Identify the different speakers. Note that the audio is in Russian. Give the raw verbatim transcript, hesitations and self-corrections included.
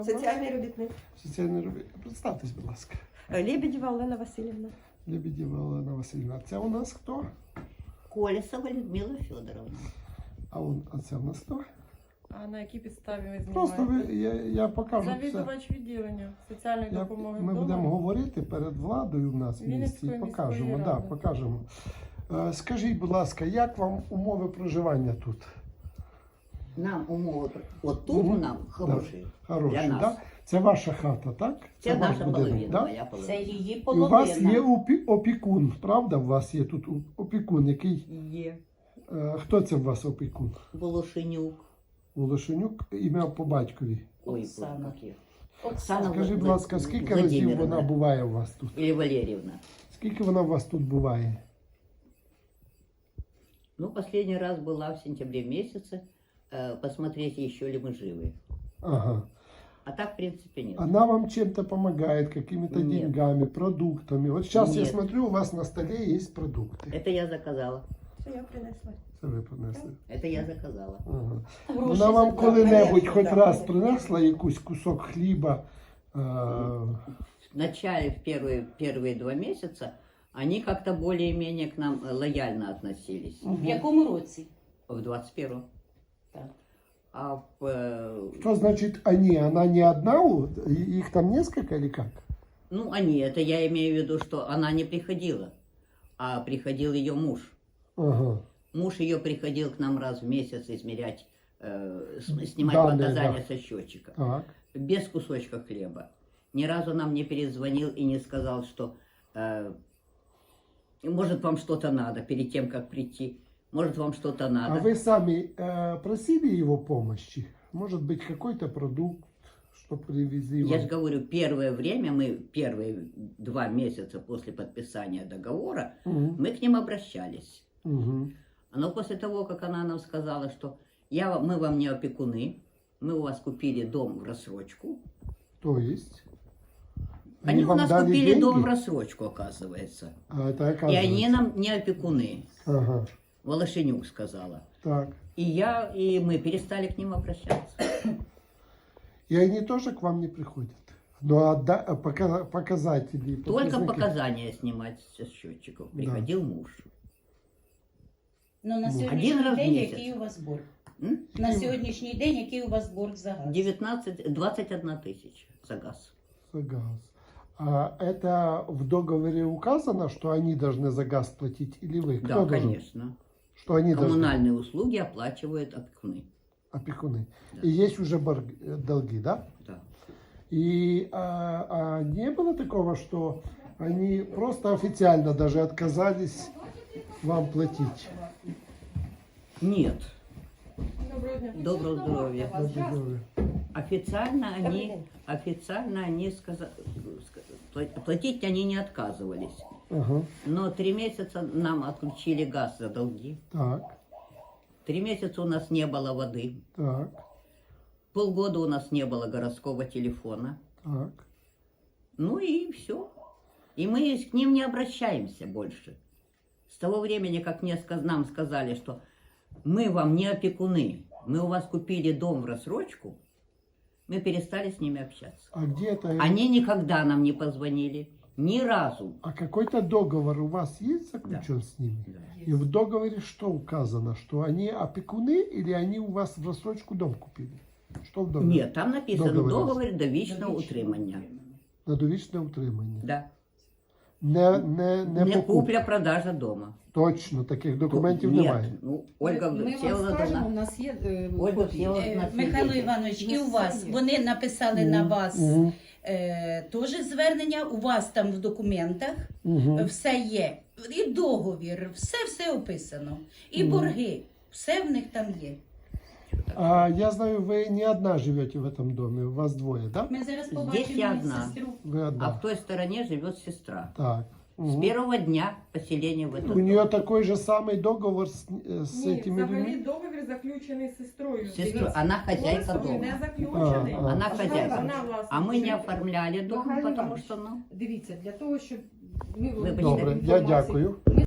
Speaker 1: Соціальний робітник.
Speaker 2: Соціальний робітник. Представтесь, будь ласка.
Speaker 1: Лебедєва Олена Васильівна.
Speaker 2: Лебедєва Олена Васильівна. Це у нас хто?
Speaker 3: Колесова Людмила Федоровна.
Speaker 2: А, он, а це у нас хто?
Speaker 4: А на якій підставі ви
Speaker 2: Просто
Speaker 4: знімаєте?
Speaker 2: ви, я, я покажу все.
Speaker 4: Завідувач відділення соціальної
Speaker 2: Я,
Speaker 4: допомоги
Speaker 2: ми
Speaker 4: вдома.
Speaker 2: будемо говорити перед владою в нас в місті і
Speaker 4: Вінницької
Speaker 2: покажемо.
Speaker 4: міської
Speaker 2: Да,
Speaker 4: ради.
Speaker 2: покажемо. Е, скажіть, будь ласка, як вам умови проживання тут?
Speaker 3: Нам умови, от тут
Speaker 2: Мгм.
Speaker 3: нам хороші.
Speaker 2: Хороші,
Speaker 3: Для нас.
Speaker 2: да? Це ваша хата, так?
Speaker 3: Це
Speaker 2: ваш
Speaker 3: наша
Speaker 2: будинок,
Speaker 3: половина,
Speaker 2: да?
Speaker 3: моя половина.
Speaker 5: Це її
Speaker 2: І у вас є
Speaker 5: половина.
Speaker 2: опі- опікун, правда? У вас є тут у- опікун, який...
Speaker 3: Є.
Speaker 2: Е, хто це у вас опікун?
Speaker 3: Волошенюк.
Speaker 2: Волошенюк, ім'я по батькові.
Speaker 3: Ой,
Speaker 5: Оксана.
Speaker 3: як її?
Speaker 5: Оксана.
Speaker 2: Скажіть, будь ласка, скільки разів
Speaker 3: Владимировна.
Speaker 2: вона буває у вас тут?
Speaker 3: Или Валерьевна.
Speaker 2: Скільки вона у вас тут буває?
Speaker 3: Ну, последний раз была в сентябре месяце. Э, посмотреть, еще ли мы живы.
Speaker 2: Ага.
Speaker 3: А так, в принципе, нет.
Speaker 2: Она вам чем-то помогает, какими-то
Speaker 3: Нет.
Speaker 2: деньгами, продуктами. Вот сейчас я
Speaker 3: Нет.
Speaker 2: смотрю, у вас на столе есть продукты.
Speaker 3: Это я заказала.
Speaker 1: Це я принесла.
Speaker 2: Це ви принесли.
Speaker 3: Это я заказала.
Speaker 2: Ага.
Speaker 5: Гроші
Speaker 2: Вона вам
Speaker 5: забрали.
Speaker 2: коли-небудь
Speaker 1: Конечно,
Speaker 2: хоч
Speaker 1: да.
Speaker 2: раз принесла якийсь кусок хліба? Е,
Speaker 3: В начале, в первые, первые два месяца, они как-то более-менее к нам э, лояльно относились.
Speaker 5: В якому році?
Speaker 3: В двадцать первом.
Speaker 5: Так.
Speaker 3: А в, э,
Speaker 2: Что значит они? Она не одна? у- Их там несколько или как?
Speaker 3: ну, они, это я имею в виду, что она не приходила, а приходил ее муж.
Speaker 2: Ага.
Speaker 3: Муж ее приходил к нам раз в месяц измерять, э, с- снимать
Speaker 2: Данные,
Speaker 3: показания
Speaker 2: да.
Speaker 3: со счетчика.
Speaker 2: Так.
Speaker 3: Без кусочка хлеба. Ни разу нам не перезвонил и не сказал, что э, может вам что-то надо перед тем, как прийти. Может вам что-то надо.
Speaker 2: А вы сами э, просили его помощи? Может быть, какой-то продукт, что привезли
Speaker 3: Я
Speaker 2: вам?
Speaker 3: же говорю, первое время, мы первые два месяца после подписания договора,
Speaker 2: Мгм.
Speaker 3: мы к ним обращались.
Speaker 2: Мгм.
Speaker 3: Но после того, как она нам сказала, что я, вам- мы вам не опекуны, мы у вас купили дом в рассрочку.
Speaker 2: То есть?
Speaker 3: Они, у
Speaker 2: вам
Speaker 3: нас
Speaker 2: дали
Speaker 3: купили
Speaker 2: деньги?
Speaker 3: дом в рассрочку, оказывается.
Speaker 2: А это
Speaker 3: И
Speaker 2: оказывается.
Speaker 3: они нам не опекуны,
Speaker 2: Ага.
Speaker 3: Волошенюк сказала.
Speaker 2: Так.
Speaker 3: И я, и мы перестали к ним обращаться.
Speaker 2: И они тоже к вам не приходят? Ну, а да- а пока- показатели?
Speaker 3: Только
Speaker 2: показники?
Speaker 3: показания снимать со счетчиков. Приходил муж.
Speaker 5: Ну, на
Speaker 2: Ну,
Speaker 5: сьогоднішній
Speaker 3: один раз в
Speaker 5: день
Speaker 3: місяць.
Speaker 5: який у вас борг?
Speaker 3: М?
Speaker 5: На сьогоднішній день який у вас борг за газ?
Speaker 3: девятнадцать, двадцать одна тысяча за газ.
Speaker 2: За газ. А это в договоре указано, что они должны за газ платить или вы? Кто
Speaker 3: Да,
Speaker 2: должен?
Speaker 3: конечно.
Speaker 2: Что они должны?
Speaker 3: Коммунальные услуги оплачивают опекуны.
Speaker 2: Опекуны.
Speaker 3: Да.
Speaker 2: И есть уже борг- э, долги, да?
Speaker 3: Да.
Speaker 2: И а, а не было такого, что они просто официально даже отказались вам платить?
Speaker 3: Нет.
Speaker 4: Доброго дня.
Speaker 3: Доброго здоровья.
Speaker 2: Добрый здоровье.
Speaker 3: Официально
Speaker 1: Добрый
Speaker 3: они,
Speaker 1: день.
Speaker 3: официально они сказали, платить они не отказывались.
Speaker 2: Ага.
Speaker 3: Но три месяца нам отключили газ за долги.
Speaker 2: Так,
Speaker 3: Три месяца у нас не было воды.
Speaker 2: так,
Speaker 3: Полгода у нас не было городского телефона.
Speaker 2: так.
Speaker 3: Ну и все. И мы к ним не обращаемся больше. С того времени, как мне, сказ- нам сказали, что мы вам не опекуны, мы у вас купили дом в рассрочку, мы перестали с ними общаться.
Speaker 2: А где это?
Speaker 3: Они никогда нам не позвонили, ни разу.
Speaker 2: А какой-то договор у вас есть заключен с ними? И в договоре что указано? Что они опекуны или они у вас в рассрочку дом купили? Что в договоре?
Speaker 3: Нет, там написано
Speaker 2: Договор.
Speaker 3: договор довічного утримання.
Speaker 2: На довічне утримання.
Speaker 3: Да.
Speaker 2: Не, не, не,
Speaker 3: Не
Speaker 2: покупка.
Speaker 3: купля-продажа дома.
Speaker 2: Точно, таких документів
Speaker 3: Нет,
Speaker 2: немає.
Speaker 3: ну, Ольга
Speaker 6: Ми вам
Speaker 3: Всеволодовна.
Speaker 6: скажемо, у нас є е,
Speaker 3: Ольга
Speaker 6: копії.
Speaker 3: Всеволодовна.
Speaker 5: Е, Михайло Іванович, і у вас, вони написали на вас
Speaker 2: Мгм.
Speaker 5: е, теж звернення, у вас там в документах
Speaker 2: Мгм.
Speaker 5: все є. І договір, все-все описано. І борги, все в них там є.
Speaker 2: А я знаю, вы не одна живете в этом доме, у вас двое, да?
Speaker 5: Ми зараз
Speaker 3: Здесь
Speaker 5: побачимо
Speaker 3: я одна.
Speaker 5: сестру.
Speaker 2: Вы одна.
Speaker 3: А в той стороне живет сестра.
Speaker 2: Так.
Speaker 3: С
Speaker 2: Мгм.
Speaker 3: первого дня поселения в этом
Speaker 2: У нее такой же самый договор с, э, с
Speaker 4: Ні,
Speaker 2: этими
Speaker 4: взагалі
Speaker 2: людьми?
Speaker 4: договір заключений з сестрою.
Speaker 3: Сестру,
Speaker 4: Дивіться,
Speaker 3: она хозяйка
Speaker 4: договір
Speaker 3: дома.
Speaker 4: не заключений.
Speaker 2: А, а.
Speaker 3: Она
Speaker 4: Вона
Speaker 3: хозяйка.
Speaker 4: власник.
Speaker 3: А мы не оформляли дом,
Speaker 6: Михайло
Speaker 3: потому
Speaker 6: Іванович,
Speaker 3: что, ну,
Speaker 6: Дивіться, для того, щоб ми
Speaker 3: Вибачте.
Speaker 2: Добре, я
Speaker 6: інформацію-
Speaker 2: дякую.